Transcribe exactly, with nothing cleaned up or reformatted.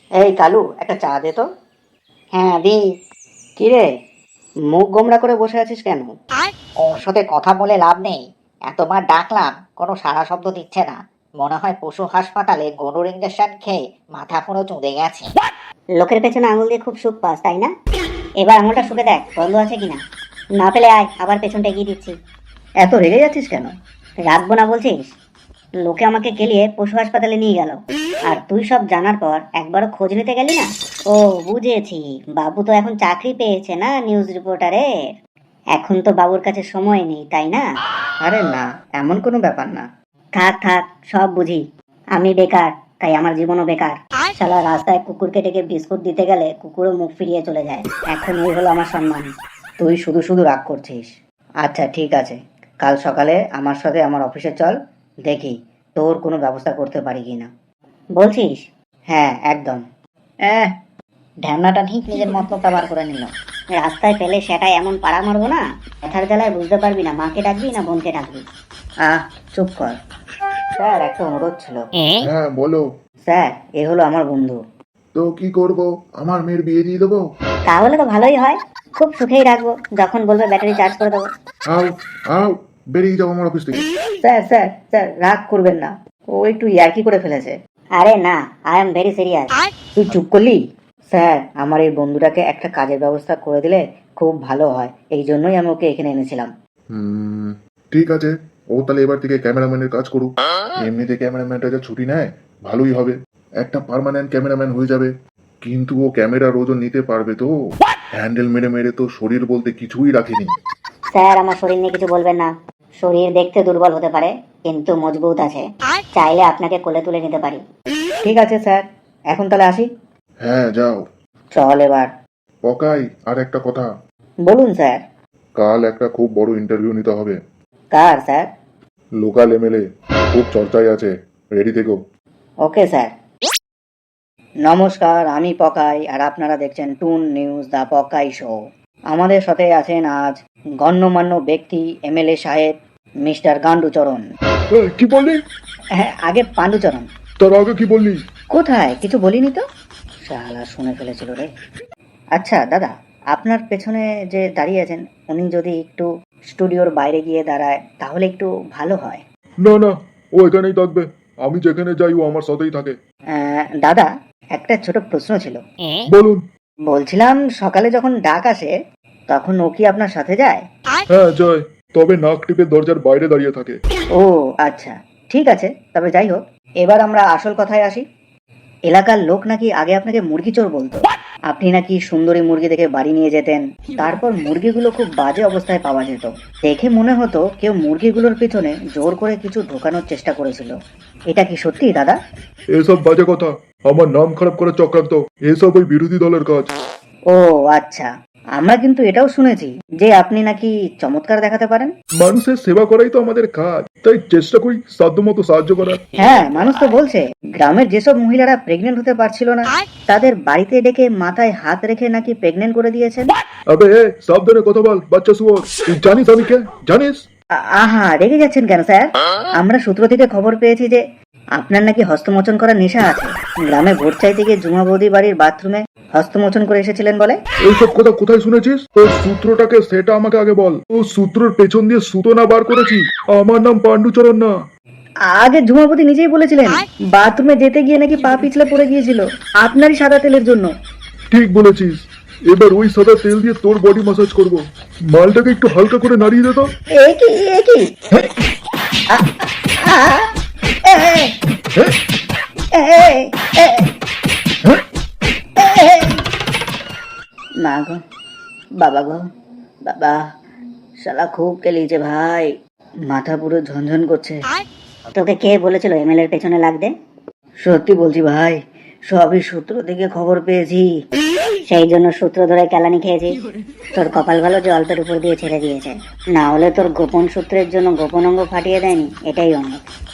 এই কালু, একটা চা দে তো। হ্যাঁ দি। কিরে, মুখ গোমড়া করে বসে আছিস কেন? ওর সাথে কথা বলে লাভ নেই। এতবার ডাকলাম, কোনো সাড়া শব্দ দিচ্ছে না। মনে হয় পশু হাসপাতালে গরুর ইঞ্জেকশন খেয়ে মাথা পুরো চুঁড়ে গেছে। লোকের পেছনে আঙুল দিয়ে খুব সুখ পাস, তাই না? এবার আঙুলটা শুকে দেখ বন্ধ আছে কিনা। না পেলে আয়, আবার পেছনটা এগিয়ে দিচ্ছি। এত রেগে যাচ্ছিস কেন? রাখবো না বলছিস? লোকে আমাকে গেলিয়ে পশু হাসপাতালে নিয়ে গেল, আর তুই সব জানার পর একবারও খোঁজ নিতে গেলি না। ও বুঝেছি, বাবু তো এখন চাকরি পেয়েছে না নিউজ রিপোর্টারের। এখন তো বাবুর কাছে সময় নেই, তাই না? আরে না, এমন কোনো ব্যাপার না। থাক থাক, সব বুঝি। আমি বেকার, তাই আমার জীবনও বেকার। শালা রাস্তায় কুকুরকে ডেকে বিস্কুট দিতে গেলে কুকুরও মুখ ফিরিয়ে চলে যায়। এখন এই হলো আমার সম্মান। তুই শুধু শুধু রাগ করছিস। আচ্ছা ঠিক আছে, কাল সকালে আমার সাথে আমার অফিসে চল, দেখি তোর কোনো ব্যবস্থা করতে পারি কিনা। বলছিস? হ্যাঁ একদম। এহ, ঢ্যামনাটা ঠিক নিজের মতলবটা বার করে নিল। রাস্তায় পেলে সেটাই এমন পাড়া মারবো না, ব্যথার জ্বালায় বুঝতে পারবি না মাকে ডাকবি না বোনকে ডাকবি। আহ চুপ কর। স্যার, একটা অনুরোধ ছিল। হ্যাঁ বলো। স্যার, এ হলো আমার বন্ধু। তো কি করব, আমার মেয়ের বিয়ে দিয়ে দেবো? তাহলে তো ভালোই হয়, খুব সুখেই রাখবো, যখন বলবে ব্যাটারি চার্জ করে দেবো। আও আও, বেরিয়ে যাও আমার অফিস থেকে। স্যার স্যার স্যার, রাগ করবেন না, ও একটু ইয়ার্কি করে ফেলেছে। আরে না, আই এম ভেরি সিরিয়াস। তুই চুপ করলি? স্যার, আমার এই বন্ধুটাকে একটা কাজের ব্যবস্থা করে দিলে খুব ভালো হয়, এই জন্যই আমি ওকে এখানে এনেছিলাম। হুম, ঠিক আছে। ও তাহলে এবার থেকে ক্যামেরাম্যানের কাজ করুক। এমনিতে ক্যামেরাম্যানটা যা ছুটি নেয়, ভালোই হবে, একটা পার্মানেন্ট ক্যামেরাম্যান হয়ে যাবে। কিন্তু ও ক্যামেরার ওজন নিতে পারবে তো? হ্যান্ডেল মেরে মেরে তো শরীর বলতে কিছুই রাখেনি। স্যার, আমার শরীর নিয়ে কিছু বলবেন না। শরীর দেখতে দুর্বল হতে পারে, কিন্তু মজবুত আছে। চাইলে আপনাকে কোলে তুলে নিতে পারি। ঠিক আছে স্যার, এখন তাহলে আসি। হ্যাঁ যাও। চল এবার। পকাই, আর একটা কথা। বলুন স্যার। কাল একটা খুব বড় ইন্টারভিউ নিতে হবে। কার স্যার? লোকাল এমএলএ, খুব চর্চায় আছে, রেডি থেকো। Okay sir. নমস্কার, আমি পকাই, আর আপনারা দেখছেন টুন নিউজ, দ্য পকাই শো। আমাদের সাথে আছেন আজ গণ্যমান্য ব্যক্তি এমএলএ সাহেব মিস্টার গান্ডুচরণ। কি বললি? হ্যাঁ, আগে পাণ্ডুচরণ। তার আগে কি বললি? কোথায় কিছু বলিনি তো। শালা শুনে ফেলেছিল রে। আচ্ছা দাদা, আপনার পেছনে যে দাঁড়িয়ে আছেন উনি যদি একটু স্টুডিওর বাইরে গিয়ে দাঁড়ায় তাহলে একটু ভালো হয়। না না, ও এখানেই থাকবে, আমি যেখানে যাই ও আমার সাথেই থাকে। আহ, দাদা, একটা ছোট প্রশ্ন ছিল। বলুন। বলছিলাম, সকালে যখন ডাক আসে তখন ও কি আপনার সাথে যায়? হ্যাঁ যায়, তবে নাক টিপে দরজার বাইরে দাঁড়িয়ে থাকে। ও আচ্ছা, ঠিক আছে, তবে যাই হোক, এবার আমরা আসল কথায় আসি। এলাকার লোক নাকি আগে আপনাকে মুরগি চোর বলতো। আপনি নাকি সুন্দরী মুরগি দেখে বাড়ি নিয়ে যেতেন, তারপর মুরগিগুলো খুব বাজে অবস্থায় পাওয়া যেত। দেখে মনে হতো কেউ মুরগিগুলোর পিছনে জোর করে কিছু ঢোকানোর চেষ্টা করেছিল। এটা কি সত্যি দাদা? এসব বাজে কথা, আমার নাম খারাপ করার চক্রান্ত, এসব ওই বিরোধী দলের কাজ। ও আচ্ছা, আমরা কিন্তু এটাও শুনেছি যে আপনি নাকি চমৎকার দেখাতে পারেন। মানুষের সেবা করাই তো আমাদের কাজ, তাই চেষ্টা করি সাধ্যমতো সাহায্য করার। হ্যাঁ, মানুষ তো বলছে গ্রামের যেসব মহিলারা প্রেগনেন্ট হতে পারছিল না তাদের বাড়িতে ডেকে মাথায় হাত রেখে নাকি প্রেগনেন্ট করে দিয়েছেন। আবে এ, সাবধানে কথা বল বাচ্চা শুয়োর। তুই জানিস আমি কে? জানিস? আ- আহা, রেগে যাচ্ছেন কেন স্যার? আমরা সূত্র থেকে খবর পেয়েছি যে আপনার নাকি হস্তমোচন করার নেশা আছে। গ্রামে ভোট চাইতে গিয়ে জুমা বৌদি বাড়ির বাথরুমে হস্তমোচন করে এসেছিলেন বলে। এইসব কথা কোথায় শুনেছিস? ওই সূত্রটাকে সেটা আমাকে আগে বল। ও সূত্রের পেছন দিয়ে সুতো না বার করেছি, আমার নাম পাণ্ডুচরণ না। আগে ঝুমাবতী নিজেই বলেছিলেন বাথরুমে যেতে গিয়ে নাকি পা পিছলে পড়ে গিয়েছিল আপনারই সাদা তেলের জন্য। ঠিক বলেছিস, এবার ওই সাদা তেল দিয়ে তোর বডি ম্যাসাজ করব। মালটাকে একটু হালকা করে নাড়িয়ে দে তো। এ কি এ কি আ, আ, এ, হ্যাঁ? এ, এ, হ্যাঁ? এ, মা গো, বাবা গো, বাবা, শালা খুব কেলিয়েছে ভাই, মাথা পুরো ঝনঝন করছে। তোকে কে বলেছিল এমএলএর পেছনে লাগতে? সত্যি বলছি ভাই, সবই সূত্র থেকে খবর পেয়েছি। সেই জন্য সূত্র ধরে কেলানি খেয়েছিস। তোর কপাল ভালো যে অল্পের উপর দিয়ে ছেড়ে দিয়েছে, না হলে তোর গোপন সূত্রের জন্য গোপন অঙ্গ ফাটিয়ে দেয়নি, এটাই অনেক।